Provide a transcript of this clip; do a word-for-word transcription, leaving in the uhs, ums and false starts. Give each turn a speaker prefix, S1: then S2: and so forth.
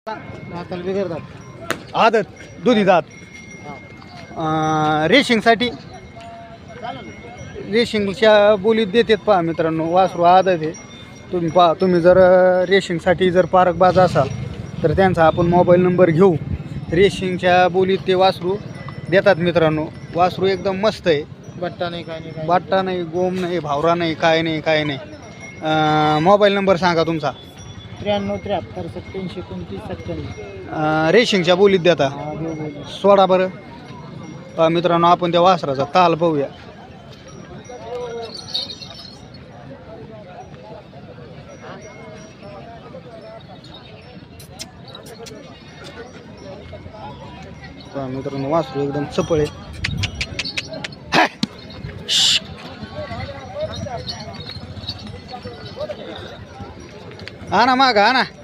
S1: दाताला बिघडतात
S2: आदत दोन्ही दात रेशिंगसाठी रेशिंगच्या बोलीत देतात पहा मित्रांनो. वासरू आदत आहे. तुम्ही पहा, तुम्ही जर रेशिंगसाठी जर पारकबाज असाल तर त्यांचा आपण मोबाईल नंबर घेऊ. रेशिंगच्या बोलीत ते वासरू देतात मित्रांनो. वासरू एकदम मस्त आहे.
S1: बट्टा नाही काय नाही काय
S2: बाट्टा नाही, गोम नाही, भावरा नाही, काय नाही काय नाही. मोबाईल नंबर सांगा तुमचा.
S1: त्र्याण्णव त्र्याहत्तर सत्याऐंशी एकोणतीस सत्त्याण्णव.
S2: अं, रेशिंगच्या बोलीत देता.
S1: हा देऊ बोलू.
S2: सोडा बरं. पहा मित्रांनो, आपण त्या वासराचा ताल पाहूया. पहा मित्रांनो, वासरू एकदम चपळ आहे. हा ना मागा, हा ना.